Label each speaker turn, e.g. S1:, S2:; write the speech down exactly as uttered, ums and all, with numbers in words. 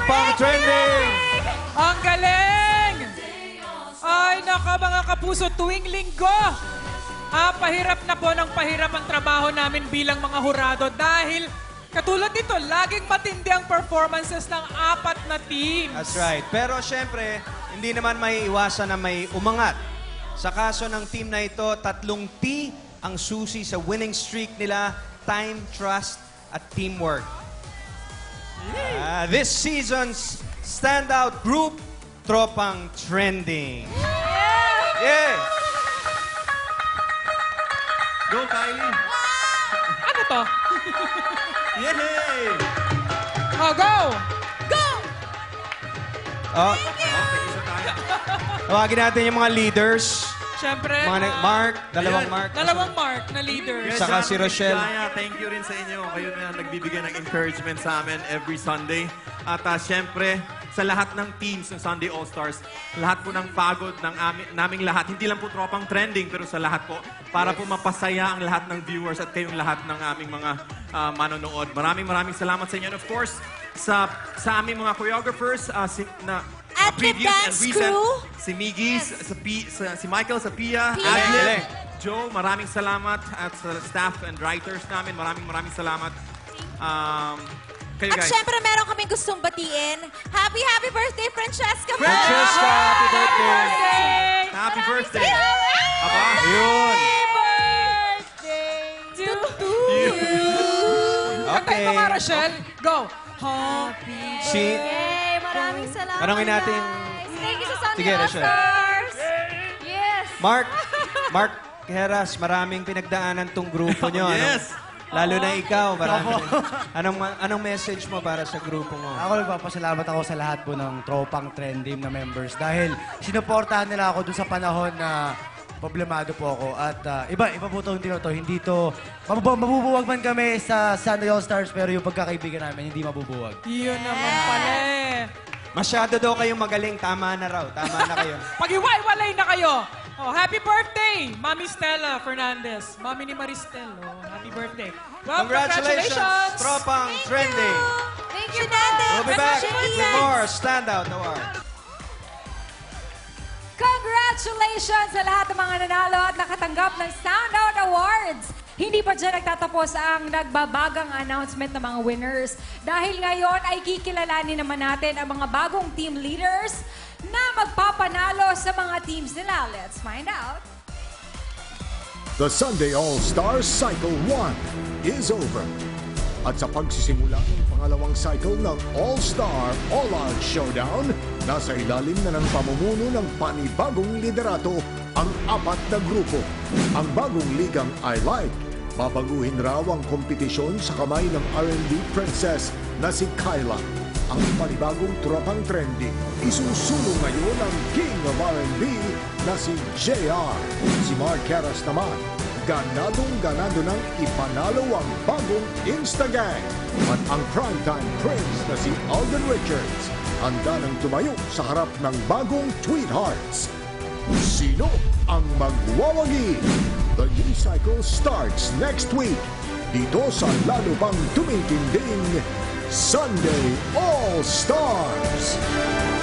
S1: Tropang Trending!
S2: Ang galing! Ay, naka mga kapuso, tuwing linggo, ah, pahirap na po ng pahirap ang trabaho namin bilang mga hurado dahil katulad nito, laging matindi ang performances ng apat na teams.
S1: That's right. Pero syempre, hindi naman may iwasan na may umangat. Sa kaso ng team na ito, tatlong T ang susi sa winning streak nila: time, trust, at teamwork. Ah, this season's standout group, Tropang Trending. Yeah!
S3: Go, Kylie!
S2: Ano to?
S3: Yay!
S2: Oh, go! Go!
S1: Oh,
S3: Okay, isa tayo.
S1: tawagin natin yung mga leaders.
S2: Siyempre,
S1: Mga nag-
S2: ah,
S1: Mark, dalawang
S3: Ayan.
S1: Mark.
S2: dalawang Mark na leaders.
S3: Yes,
S1: Saka
S3: John,
S1: si Rochelle.
S3: Gaya, thank you rin sa inyo. Kayo na nagbibigay ng encouragement sa amin every Sunday. At uh, syempre, sa lahat ng teams ng Sunday All-Stars, lahat po ng pagod ng amin, naming lahat, hindi lang po Tropang Trending, pero sa lahat po, para po mapasaya ang lahat ng viewers at kayong lahat ng aming mga uh, manonood. Maraming maraming salamat sa inyo. And of course, sa, sa aming mga choreographers, uh, si, na
S4: At the
S3: previous and
S4: dance
S3: recent,
S4: crew.
S3: si Miggy, sa, P, sa, si Michael sa Pia,
S4: Pia.
S3: Adlib,
S1: Galing.
S3: Joe, maraming salamat. At sa staff and writers namin, maraming maraming salamat. Um, kayo
S4: At
S3: guys.
S4: syempre, meron kaming gustong batiin. Happy, happy birthday, Francesca!
S1: Francesca, happy birthday!
S3: Happy birthday!
S4: Happy
S3: Aba,
S1: Ayun.
S4: birthday to you!
S2: Kantahin
S1: Okay.
S2: mo nga, Rochelle. Go! Happy
S1: Si...
S4: Yay! Maraming salamat,
S1: Tanungin natin-
S4: guys. Thank you sa Sunday
S1: Sige, Rochelle.
S4: All-Stars! Yes!
S1: Mark, Mark Heras, maraming pinagdaanan tong grupo nyo. Ano?
S3: Yes.
S1: Lalo na ikaw, marami. Anong, anong message mo para sa grupo mo?
S5: Ako nagpapasalamat ako sa lahat po ng Tropang Trending na members dahil sinuportahan nila ako dun sa panahon na problemado po ako. At ah, iba, iba po itong to. Hindi to, mabubu- mabubuwag man kami sa Sunday All-Stars pero yung pagkakaibigan namin hindi mabubuwag.
S2: Yun naman pala eh.
S1: Masyado daw kayong magaling. Tama na raw. Tama na kayo.
S2: Pag-iwalay na kayo. Oh, happy birthday, Mami Stella Fernandez. Mami ni Maristel. Oh, happy birthday. Well,
S1: Congratulations, Tropang Trending.
S4: Thank you, Nande!
S1: We'll be back with more Standout Awards.
S6: Congratulations sa lahat ng mga nanalo at nakatanggap ng Standout Awards! Hindi pa dyan nagtatapos ang nagbabagang announcement ng mga winners. Dahil ngayon ay kikilalanin naman natin ang mga bagong team leaders na magpapanalo sa mga teams nila. Let's find out.
S7: The Sunday All-Stars Cycle one is over. At sa pagsisimula ng pangalawang cycle ng All-Star All-Out Showdown, nasa ilalim na ng pamumuno ng panibagong liderato ang apat na grupo. Ang bagong ligang I Like, babaguhin raw ang kompetisyon sa kamay ng R and B princess na si Kyla. Ang panibagong Tropang Trending, isusulong ngayon ang King of R and B na si J R. Si Mark Heras naman, ganadong-ganado nang ipanalo ang bagong Instagang. At ang primetime prince na si Alden Richards, handa nang tumayo sa harap ng bagong Tweethearts. Sino ang magwawagi? The new cycle starts next week dito sa lalo pang tumitinding Sunday All-Stars.